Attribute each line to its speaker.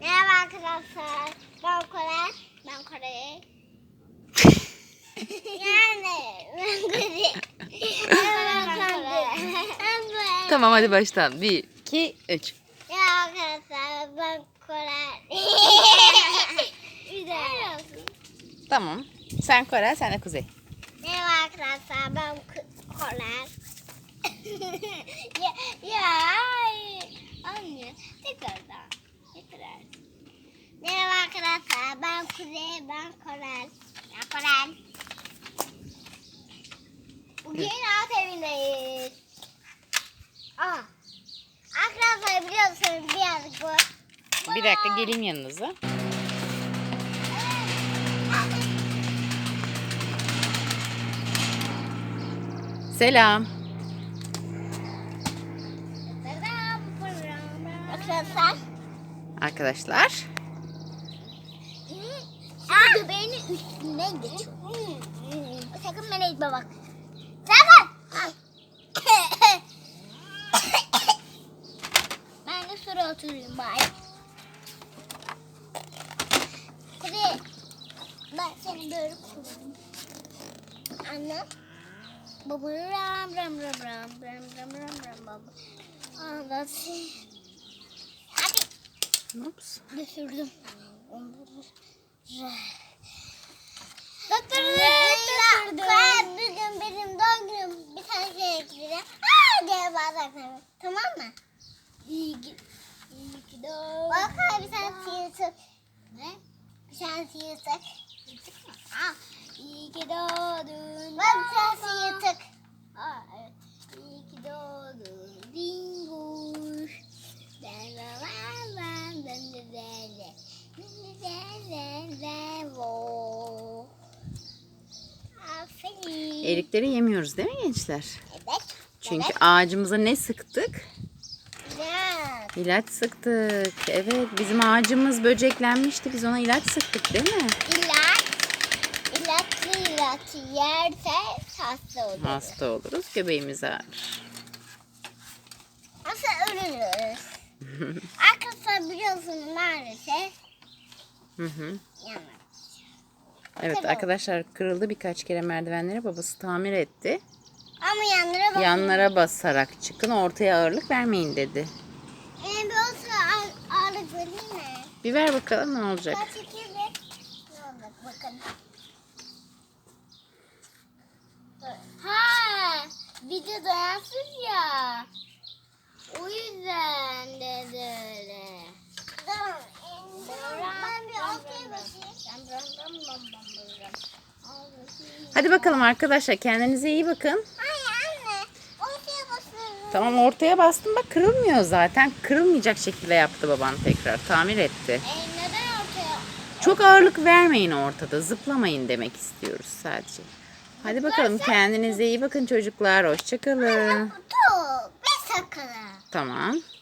Speaker 1: Merhaba arkadaşlar. Ben Kore. Ben Kore. Yani ben Kore.
Speaker 2: Tamam hadi baştan. 1, 2, 3.
Speaker 1: Merhaba arkadaşlar. Ben Kore. Bir de.
Speaker 2: Tamam. Sen Kore, sen de Kuzey.
Speaker 1: Merhaba arkadaşlar. Ben Kore. ya anne tekrardan. Merhaba arkadaşlar. Ben Kuzey. Ben Kore. Ben Kore. Bugün alt evindeyiz. Arkadaşlar biliyorsunuz birazcık bu.
Speaker 2: Bir dakika geleyim yanınıza. Selam.
Speaker 1: Arkadaşlar.
Speaker 2: Arkadaşlar.
Speaker 1: Göbeğinin üstünden geçiyor. Sakın bana itme bak. Sakın. Ben de şuraya oturayım bari. Hadi. Ben seni böyle koyayım. Anne. Baba ram ram ram ram ram ram ram ram baba. Anlatayım. Hadi.
Speaker 2: Ups.
Speaker 1: Düşürdüm. Bugün benim doğum günüm. Bir tane şey ekleyeceğim. Diye bağıracağım. Tamam mı? İyi ki doğdun. Bak bir tane sıyırtık. Ne? Bir tane sıyırtık. İyi ki doğdun. Bak bir tane sıyırtık. Evet. İyi ki doğdun. Dinguş. Aferin.
Speaker 2: Erikleri yemiyoruz değil mi gençler?
Speaker 1: Evet.
Speaker 2: Çünkü ağacımıza ne sıktık?
Speaker 1: Evet.
Speaker 2: İlaç sıktık. Evet, bizim ağacımız böceklenmişti. Biz ona ilaç sıktık değil mi?
Speaker 1: İlaç yerse hasta oluruz.
Speaker 2: Hasta oluruz, göbeğimiz ağrır.
Speaker 1: Nasıl ölürüz? Arkadaşlar biliyorsunuz maalesef
Speaker 2: Hı hı.
Speaker 1: yanmadı.
Speaker 2: Evet arkadaşlar, kırıldı birkaç kere merdivenleri. Babası tamir etti.
Speaker 1: Ama yanlara bakın.
Speaker 2: Yanlara basarak çıkın, ortaya ağırlık vermeyin dedi.
Speaker 1: Bir olsa ağırlık vereyim mi?
Speaker 2: Bir ver bakalım ne olacak.
Speaker 1: Kaç iki bir. Ne olacak bakın. Ha, video dayansız ya. O yüzden dedi öyle. Ben bir ortaya basayım.
Speaker 2: Hadi bakalım arkadaşlar, kendinize iyi bakın.
Speaker 1: Hayır anne. Ortaya basıyorum.
Speaker 2: Tamam, ortaya bastım bak, kırılmıyor zaten. Kırılmayacak şekilde yaptı baban, tekrar tamir etti.
Speaker 1: Neden ortaya?
Speaker 2: Çok ağırlık vermeyin ortada, zıplamayın demek istiyoruz sadece. Hadi bakalım, kendinize iyi bakın çocuklar, hoşça kalın.
Speaker 1: Kutu. Bir sakın.
Speaker 2: Tamam.